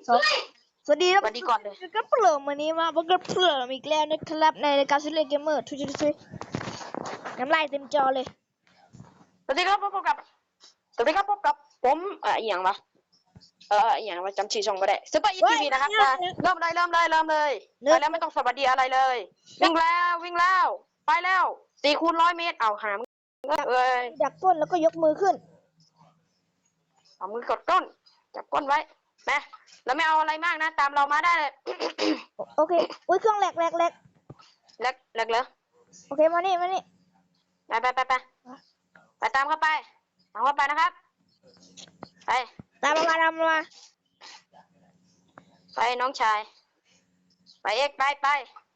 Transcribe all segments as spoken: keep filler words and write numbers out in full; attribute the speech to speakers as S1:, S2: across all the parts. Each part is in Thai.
S1: สองสวัสดีครับ
S2: สวัสดีก่อนเลย
S1: ก็เปลือกวันนี้มาพบกับเปลือกอีกแล้วนะครับในรายการซิเลเกมเมอร์ทุกทุกน้ำลายเต็มจอเลย
S2: สวัสดีครับพบกับสวัสดีครับพบกับผมเอ่ออหย่างวะเอออหย่างวะจำชื่อช่องไม่ได้ซุปเปอร์อีทีวีนะครับมาเริ่มเลยเริ่มเลยเริ่มเลยไปแล้วไม่ต้องสวัสดีอะไรเลยวิ่งแล้ววิ่งแล้วไปแล้วสี่คูณร้อยเมตรเอาหามเอ้ย
S1: ดักก้นแล้วก็ยกมือขึ้น
S2: เอามือกดก้นจับก้นไว้นะแล้วไม่เอาอะไรมากนะตามเรามาได้เลย
S1: โอเคอุ้ยเครื่องแหลกแหลกแหลก
S2: เล็กเล็กเลย
S1: โอเคมานี่มานี่
S2: ไปไปไปไปไปตามเข้าไปตามเข้าไปนะครับไป
S1: ตามมามาตามมา
S2: ไปน้องชายไปเอ็กไปไป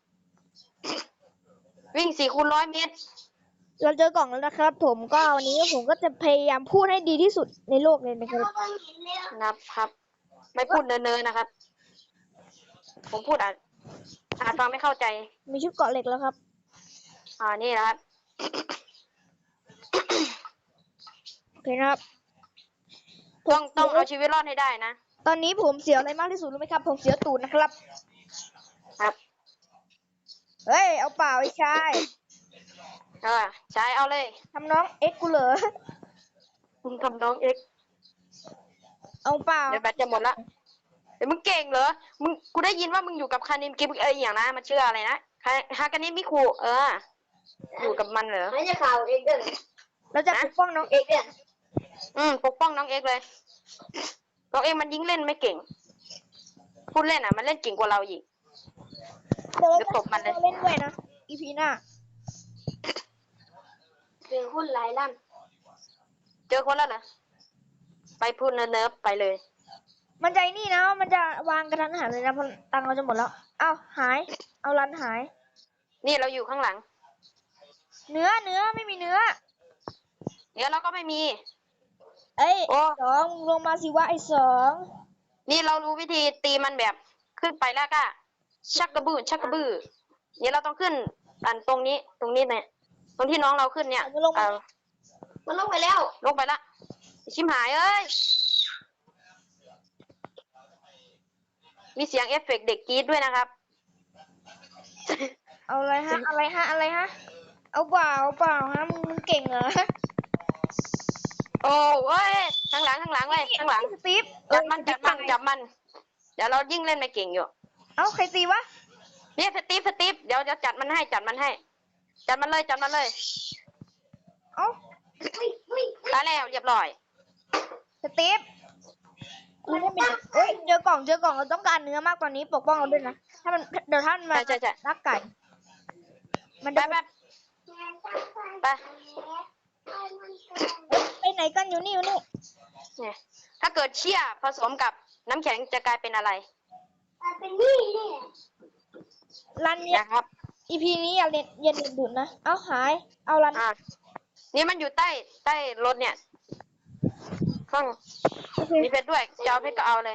S2: วิ่งสี่คูณร้อยเมตร
S1: เราเจอกล่องแล้วนะครับ ผมก็วันนี้ผมก็จะพยายามพูดให้ดีที่สุดในโลกเลยนะครับ
S2: นะครับ ไม่พูดเนินๆนะครับ ผมพูดอาจอาจฟังไม่เข้าใจ
S1: มีชุดเกาะเหล็กแล้วครับ
S2: อ่านี่นะครับ
S1: โอเคนะครับ
S2: ต้องต้องเอาชีวิตรอดให้ได้นะ
S1: ตอนนี้ผมเสียวอะไรมากที่สุดรู้ไหมครับ ผมเสียวตูดนะครับ
S2: ครับ
S1: เฮ้ยเอาเปล่าไอ้ชาย
S2: เออใช้เอาเลย
S1: ทำน้องเอ็กกูเหรอ
S2: มึงทำน้องเอ็ก
S1: เอาเปล่า
S2: เดี๋ยวแบตจะหมดละเดี๋ยวมึงเก่งเหรอมึงกูได้ยินว่ามึงอยู่กับคานิมกิฟเอ้ยอย่างนะมันชื่ออะไรนะฮากานิมิคุเอออยู่กับมันเหรอ
S3: ไม่ใช่ข่าวเองเด้อ
S1: เราจะปกป้องน้อง
S3: เอกเนี่ย
S2: อืมปกป้องน้องเอ็กเลยน้องเอ็กมันยิงเล่นไม่เก่งพูดเล่นอ่ะมันเล่นเก่งกว่าเราอีก
S1: เดี๋ยวเรา
S2: เดี๋ยวตบมันเลย
S1: เล่นด้วยนะอีพีหน้า
S3: เป็นหุ้นหลายล้าน
S2: เจอคนแล้วเหรอไปพูดเนิร์ฟไปเลย
S1: มันใจนี่นะมันจะวางกระทันหันเลยนะเพราะตังค์เราจะหมดแล้วเอ้าหาย เอารันหาย
S2: นี่เราอยู่ข้างหลัง
S1: เนื้อเนื้อไม่มีเนื้อ
S2: เดี๋ยวเราก็ไม่มี
S1: เอ้ย
S2: โอ้
S1: สองลงมาสิวะไอ้สอง
S2: นี่เรารู้วิธีตีมันแบบขึ้นไปแล้วก็ชักกระบือชักกระบือเนี่ยเราต้องขึ้นอันตรงนี้ตรงนี้เนี่ยตรงที่น้องเราขึ้นเนี่ย
S1: มันลง
S2: เอ
S1: มา
S2: อ
S3: มันลงไปแล้ว
S2: ลงไปละชิมหายเอ้ยมีเสียงเอฟเฟกต์เด็กกรี๊ดด้วยนะครับ
S1: เอาอะไรฮะอะไรฮะอะไรฮะเอาเปล่าเอาเปล่าฮะมึงมึงเก่งเหรอ
S2: โอ้เว้ยข้างหลังข้างหลังเว้ยข้างหลัง
S1: สตีฟ
S2: จับมัน
S1: เอ้
S2: จั
S1: ย
S2: บมันจับมันเดี๋ยวเรายิ่งเล่นไม่เก่งอยู่
S1: เอ้าใครตีวะ
S2: เนี่ยสตีฟสตีฟเดี๋ยวจะจัดมันให้จัดมันให้ จัดมันเลยจัดมันเลย
S1: เอ้า
S2: ตายแล้วเรียบร้อย
S1: สตีฟกูได้เป็นเอ้ยเจอกล่องเจอกล่องเราต้องการเนื้อมากตอนนี้ปกป้องเราด้วยนะถ้ามันเดี๋ยวท่านมา
S2: ใช่ใช่ใช่
S1: รักไก่ มัน
S2: ไป
S1: จะ
S2: ไปไป
S1: ไปไหนกันอยู่นี่อยู่นี่
S2: เนี่ยถ้าเกิดเชี่ยผสมกับน้ำแข็งจะกลายเป็นอะไร
S3: มันเป็นนี่นี่
S1: รันเนี่ย
S2: นะครับ
S1: อีพีนี้อย่าเล่นอย่าเล่นดุดนะเอาหายเอารัน
S2: อ่านี่มันอยู่ใต้ใต้รถเนี่ยข้าง
S1: โอเค
S2: มีเพชรด้วยจะเอาเพชรก็เอาเลย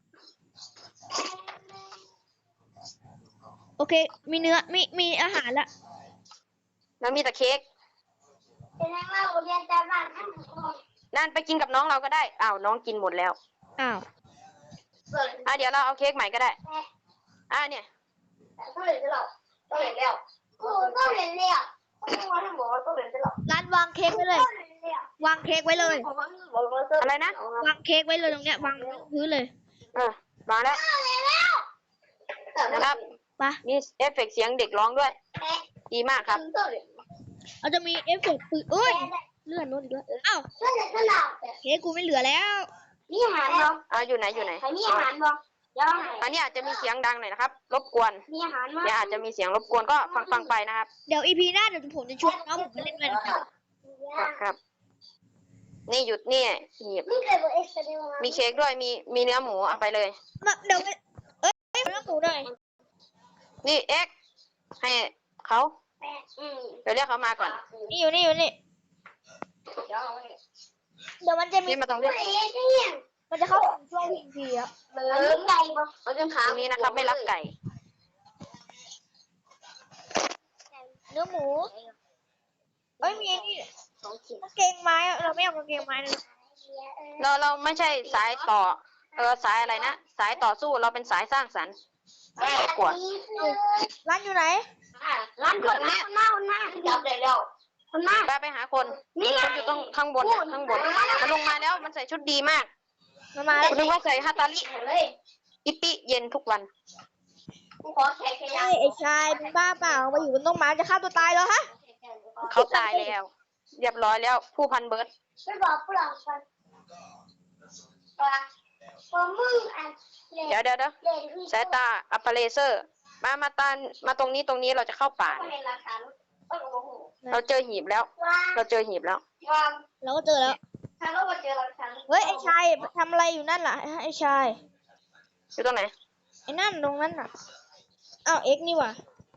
S1: โอเค มีเนื้อมีมีอาหารละ
S2: แล้วมีแต่เค้ก
S3: เป็นไงว่าโรงเรียนแต่บ้านทั้งหมด
S2: นั่นไปกินกับน้องเราก็ได้อ้าวน้องกินหมดแล้ว
S1: อ้าว
S3: เปิด
S2: อ่ะเดี๋ยวเราเอาเค้กใหม่ก็ได้อ่ะเนี่ย
S3: ต้องเรียนได้หรอต้องเรียนแล้วโอ้ต้องเรียนแล้วต้องมาทั้งหมดต้องเรียนได้หรอ
S1: รันวางเค้กไว้เลย
S3: ต้องเรียนแล้ว
S1: วางเค้กไว้เลย
S2: อะไรนะ
S1: วางเค้กไว้เลยตรงเนี้ยวางพื้นเลย
S2: เออมาแล้ว
S3: ต้องเรียนแล้ว
S2: นะครับ
S1: ไป
S2: มีเอฟเฟกต์เสียงเด็กร้องด้วย ดีมากครับ
S3: ต้องเรียน
S1: เราจะมีเอฟเฟกต์ปืนเอ้ยเลื่อนโน้ตอีกแล้วอ้าว
S3: ต้องเรียนได้หรอ
S1: เค้กกูไม่เหลือแล้ว
S3: มีอาหารบ้าง
S2: อ่ะอยู่ไหนอยู่ไหน
S3: ใครมีอาหารบ้างยัง
S2: อันนี้อาจจะมีเสียงดังหน่อยนะครับ รบกวน
S3: มีอาหารบ้าง
S2: เดี๋ยวอาจจะมีเสียงรบกวนก็ฟังฟังไปนะครับ
S1: เดี๋ยวอีพีหน้าเดี๋ยวผมจะชวนน้องผมมาเล่นด้วยนะครับ
S2: ครับ นี่หยุดนี่หยิบ
S3: ไม่เคยบอกเอ็กซ์เดย์มา
S2: มีเค้กด้วยมีมีเนื้อหมูเอาไปเลย
S1: มาเดี๋ยวเอ้ยเรื่องหมูหน่อย
S2: นี่เอ็กซ์ให้เขา
S3: แปดอืม
S2: เดี๋ยวเรียกเขามาก่อน
S1: นี่อยู่นี่อยู่นี่
S3: เดี๋ยว
S1: เดี๋ยวมันจะมี
S2: นี่มาตรงนี้
S3: เอ๊ะเนี่ย
S1: มันจะเข้าถึงช่วงพีพีอะ
S3: เหมือนไก่ปะเขาจะ
S2: ต
S3: ถาม
S2: รงนี้นะครับ ไม่รักไก่
S1: เนื้อหมูเอ้ยมีไอ้นี่
S3: สองขีด
S1: กางเกงไม้อะเราไม่เอากางเกงไม้เลย
S2: เราเราไม่ใช่สายต่อเออสายอะไรนะสายต่อสู้เราเป็นสายสร้างสรรค์กว่า
S1: ร้านอยู่ไหน
S3: ร้านก่อนนะหน้าหน้าจับได้แล้วหน้า
S2: ไปไปหาคนคนอยู่ตรงข้างบนน่ะข้างบนมันลงมาแล้วมันใส่ชุดดีมาก
S1: มามาแล้ว
S2: คุณนึกว่าใส่ฮาตาลิ
S3: เลย
S2: อิปิเย็นทุกวัน
S3: กูขอแขกแค่ยั
S1: เฮ้ยไอ้ชายมึงบ้าเปล่ามาอยู่บนต้นไม้จะฆ่าตัวตายเหรอฮะ
S2: เขาตายแล้ว เรียบร้อยแล้ว ผู้พันเบิร์ด
S3: ไม่บอกฝรั่งกันว่าพอมึงอัน
S2: เดี๋ยวเดี๋ยวเดี๋ยวสายตาอัปเปอร์เลเซอร์ มามาตานมาตรงนี้ตรงนี้เราจะเข้าป่า
S3: ก็ในราคาเออโอ้โห
S2: เราเจอหีบแล้ว
S3: ว่า
S2: เราเจอหีบแล้ว
S3: ว่า
S1: เราก็เจอแล้ว
S3: ถ้าเราเจอราคา
S1: เฮ้ยไอ้ชายทำอะไรอยู่นั่นล่ะไอ้ชาย
S2: อยู่ตรงไหน
S1: ไอ้นั่นตรงนั้นน่ะอ้าวเอ็กนี่ว่ะ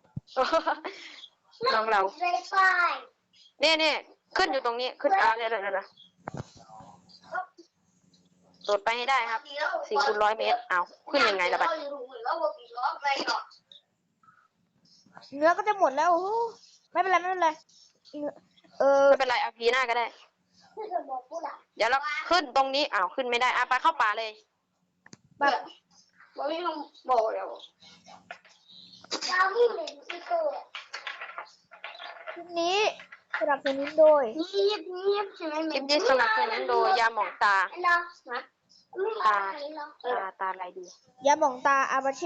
S2: น้องเรา
S3: เลยไฟ
S2: เนี่ยเนี่ยขึ้นอยู่ตรงนี้ขึ้นอ่าเดี๋ยวเดี๋ยวเดี๋ยวโดดไปให้ได้ครับสี่คูณร้อยเมตรเอาขึ้นยังไงล่ะบัด
S1: เนื้อก็จะหมดแล้วโอ้โหไม่เป็นไรไม่เป็นไรเออ
S2: ไม่เป็นไรเอาพีหน้าก็ได้ เดี๋ยวเราขึ้นตรงนี้อ้าวขึ้นไม่ได้อ่ะไปเข้าป่าเลย
S1: แบบ
S3: บอกไม่ต้องบอกแล้วเราไม่เห็นอีกตัว
S1: คลิปนี้สนับสนุนโดย
S3: เงียบเงียบใช่ไหม
S2: คลิปนี้สนับสนุนโดยยาหมองตา
S3: เนาะนะตา
S2: ตาตาอะไรดี
S1: ยาหม่องตาอาบาเช่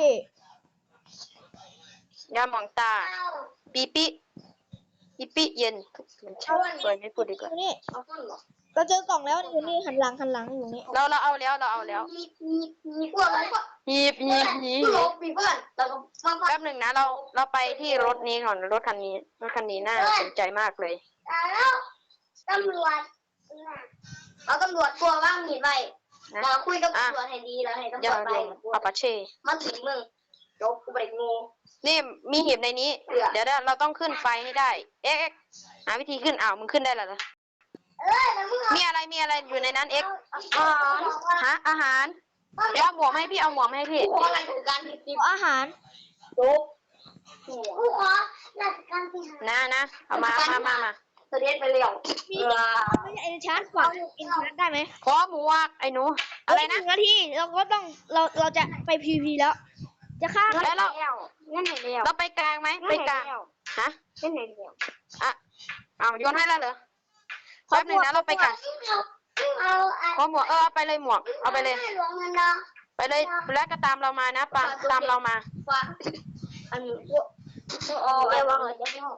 S2: ยาหมองตา ปีปิปีปิเย็นมันช่วยสวยไม่พูดดีกว่า
S1: อยู่นี่
S3: เอาต้นหรอ
S1: เราเจอกล่องแล้วอยู่นี่หันหลังหันหลังอยู่นี่
S2: เราเราเอาแล้วเราเอาแล้ว
S3: มีมีมีพวกอะไรพวก
S2: หีบหีบหีบ
S3: ลบมีเพื่อนแล้วก็มา
S2: แป๊บหนึ่งนะเราเราไปที่รถนี้ก่อนรถคันนี้รถคันนี้น่าสนใจมากเลย
S3: แล้วตำรวจเอาตำรวจตัวว่างมีไว้
S2: นะ
S3: มาคุยกับตำรวจให้ดีแล้วให้ตำร
S2: ยาว
S3: จไป
S2: ยงปาปาเช่
S3: มาถึงมึงจบกูไปงู
S2: นี่มีหีบในนี้ เดี๋ยวเราต้องขึ้นไฟให้ได้ เอ็กหาวิธีขึ้นอ้าวมึงขึ้นได้แล้วเหรอ
S3: เออแล้วมึง
S2: มีอะไรมีอะไรอยู่ในนั้นเอ็ก
S3: อ๋อ
S2: ฮะอาหารเดี๋ยวเอาหมวกมาให้พี่เอาหมวกมาให้พี่
S3: กูขออะไรถึงการติดติด
S1: ขออาหาร
S3: จบกูขอราชการที่หา
S2: นะนะเอามามามามา
S3: เสด็จไปเร็ว
S1: มีไม่ใช่เอ็นชาร์ดกว่าเอ็นชาร์ดได้ไหม
S2: ขอหมวกไอ้หนูอะไรนะ
S1: หงนาทีเราก็ต้องเราเราจะไปพีพีแล้ว จะฆ่า
S2: แล้วเรา
S3: งั้นไหนเร็ว
S2: เราไปกลางไหมไปกลางฮะ
S3: งั้นไหนเร็ว
S2: อ่ะเอาโยนให้แล้วเหรอแป๊บหนึงนะเราไปกลาง
S3: เอาเอา
S2: ขอหมวกเออเอาไปเลยหมวกเอาไปเลย
S3: หลวงเงินเนาะ
S2: ไปเลยแล้วก็ตามเรามานะปาตามเรามา
S3: ว่าอันนี้กูโอ้ยว่าเราจะไม่ออก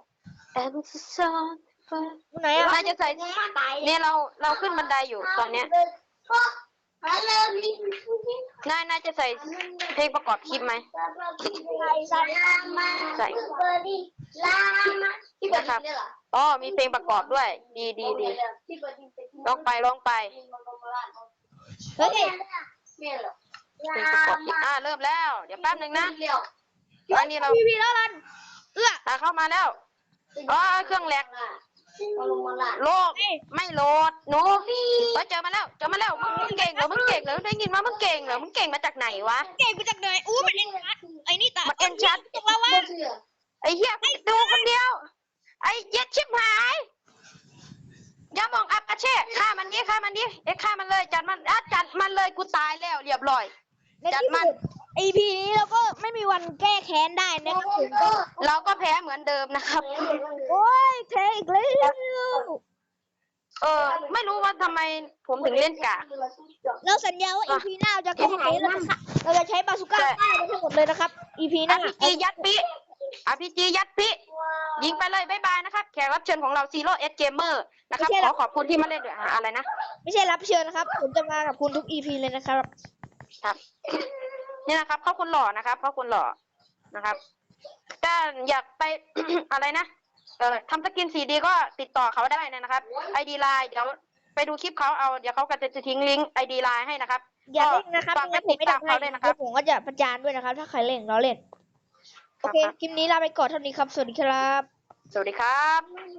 S1: ไหนอ่ะ
S2: น่าจะใส่
S3: ยังมาตาย
S2: เนี่ยเราเราขึ้นบันไดอยู่ตอนเนี้ย
S3: ก็เริ่มมี
S2: น่าน่าจะใส่เพลงประกอบคลิปไหม
S3: ใส่ใส่ลามาใส่เบอร์ดี้ลามาที่เปิดนี่เหรอ
S2: อ๋อมีเพลงประกอบด้วย ดีดีดีลองไปลองไป
S1: เฮ้ย
S3: เนี่ยเหรอ
S2: เพลงประกอบคลิปอ่าเริ่มแล้ว เดี๋ยวแป๊บหนึ่งนะ
S3: เร็ว
S2: ตอนนี้เรา
S1: พีพีแล้วรันเอื้อ
S2: อ่าเข้ามาแล้วอ๋อเครื่องแหลก
S3: มาลงมาละ
S2: โลกไม่โหลดหนูเฮ้ยเจอมาแล้วเจอมาแล้วมึงมึงเก่งเหรอมึงเก่งเหรอได้ยินว่ามึงเก่งเหรอมึงเก่งมาจากไหนวะ
S1: เก่งกูจากไหนอู้มันเอ็นชาร์ดไอ้นี่ตา
S2: มันเอ็นชัด
S1: ตกแล้ววะ
S3: เชื่อ
S2: ไอ้เหี้ยดูคนเดียว ไอ้เย็ดชิบหายอย่ามองอับอาเช่ฆ่ามันดิฆ่ามันดิเอ๊ะฆ่ามันเลยจัดมันอ่ะจัดมันเลยกูตายแล้วเรียบร้อย
S1: ในที่สุดไอพีนี้เราก็ไม่มีวันแก้แค้นได้นะครับผมก็
S2: เราก็แพ้เหมือนเดิมนะครับ
S1: โอ้ยแพ้อีกแล้ว
S2: เออ ไม่รู้ว่าทำไมผมถึงเล่นกาก
S1: เราสัญญาว่าอีพีหน้าเราจะแก้แค้นเราจะฆ่าเราจะใช้บาซูก้าฆ่ามันทั้งหมดเลยนะครับอีพีห
S2: อา
S1: น้า
S2: พีจียัดปิอาพีจียัดปิยิงไปเลยบ๊ายบายนะครับแขกรับเชิญของเราซีโร่เอสเกมเมอร์นะครับขอขอบคุณที่มาเล่นด้วยอ่ะอะไรนะ
S1: ไม่ใช่รับเชิญนะครับ ผมจะมากับคุณทุกอีพีเลยนะครับ
S2: ครับ นี่นะครับเขาคนหล่อนะครับเขาคนหล่อนะครับถ้าอยากไป อะไรนะเออทำสกินสีดีก็ติดต่อเขาได้นะครับไอดีไลน์เดี๋ยวไปดูคลิปเขาเอาเดี๋ยวเขาก็จะทิ้งลิงก์ไอดีไลน์ให้นะครับ
S1: อย่าเล่นนะครับ
S2: ฝาก
S1: ไม่
S2: ไป
S1: งั้นผ
S2: ติ
S1: ม
S2: ด
S1: ไม่
S2: ตาม
S1: ทำให้
S2: เขาด้วยนะครับ
S1: ผมก็จะประจานด้วยนะครับ ถ้าใครเล่นเราเล่นโอเคคลิปนี้ลาไปก่อนเท่านี้ครับสวัสดีครับ
S2: สวัสดีครับ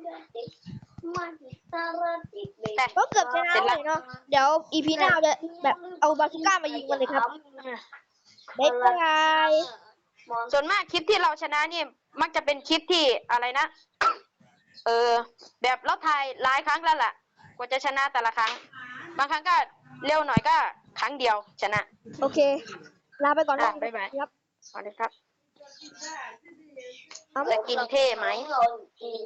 S3: แต่
S1: ก็เกือบชนะเลยเนาะเดี๋ยวอีพีหน้าเราจะแบบเอาบาซูก้ามายิงกันเลยครับบ๊ายบาย
S2: ส่วนมากคลิปที่เราชนะนี่มักจะเป็นคลิปที่อะไรนะ เออ แบบเราถ่ายหลายครั้งแล้วล่ะกว่าจะชนะแต่ละครั้ง บางครั้งก็เร็วหน่อยก็ครั้งเดียวชนะ
S1: โอเค ลาไปก่อน
S2: อ่ะ
S1: นะ
S2: บ๊ายบาย
S1: ครับ
S2: สวัสดีครับ
S1: เอา
S2: จะกินเท่ไหม
S3: เรากิน